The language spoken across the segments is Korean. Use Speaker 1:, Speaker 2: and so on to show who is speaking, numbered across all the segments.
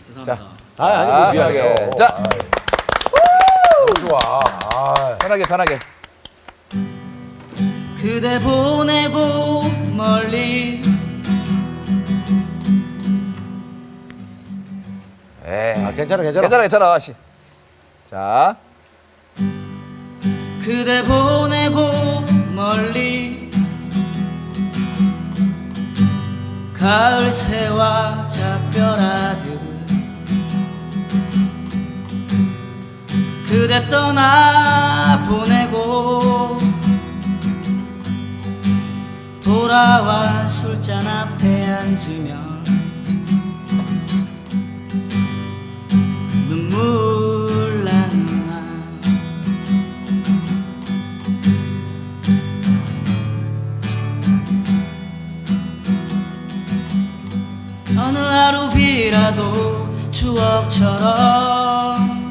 Speaker 1: 죄송합니다.
Speaker 2: 아니 뭐 미안해.
Speaker 3: 자,
Speaker 2: 너무 좋아.
Speaker 3: 편하게 편하게.
Speaker 1: 그대 보내고 멀리
Speaker 2: 괜찮아.
Speaker 3: 괜찮아. 씨. 자,
Speaker 1: 그대 보내고 멀리 가을 새와 작별하듯 그대 떠나 보내고 돌아와 술잔 앞에 앉으면 눈물 나누나 어느 하루 비라도 추억처럼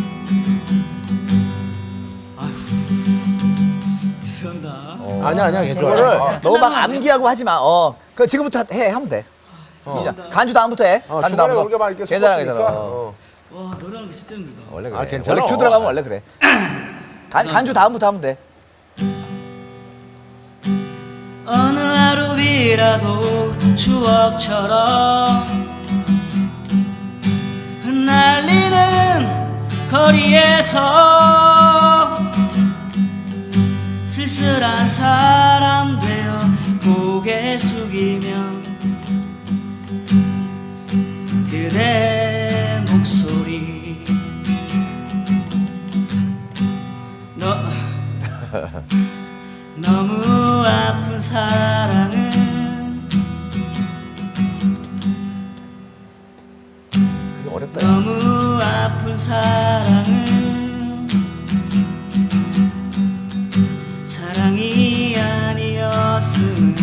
Speaker 1: 죄송합니다.
Speaker 2: 아니야 괜찮아.
Speaker 3: 이거를 너무 막 암기하고 하지 마. 그 지금부터 하면 돼. 시작. 간주 다음부터 해. 간주
Speaker 2: 중간에
Speaker 3: 다음부터.
Speaker 2: 우리가 막 이렇게
Speaker 3: 괜찮아.
Speaker 2: 섞었으니까.
Speaker 1: 와 노래하는 게 진짜 힘들다.
Speaker 3: 원래 그래.
Speaker 2: 괜찮아.
Speaker 3: 원래 큐 들어가면 원래 그래. 간주 다음부터 하면 돼.
Speaker 1: 어느 하루 비라도 추억처럼 흩날리는 거리에서 쓸쓸한 사람 되어 고개 숙이면 그대 목소리 너무 아픈 사랑은
Speaker 3: 어렵다.
Speaker 1: 너무 아픈 사랑은 사랑이 아니었음을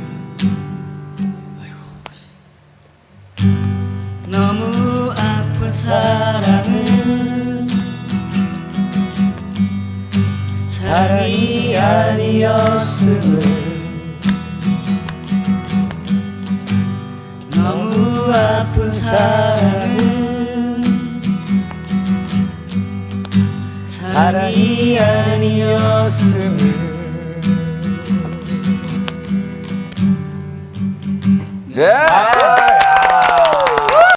Speaker 1: 너무 아픈 사랑은 사랑이 아니었음을 너무 아픈 사랑은 사랑이 아니었음을
Speaker 3: 예.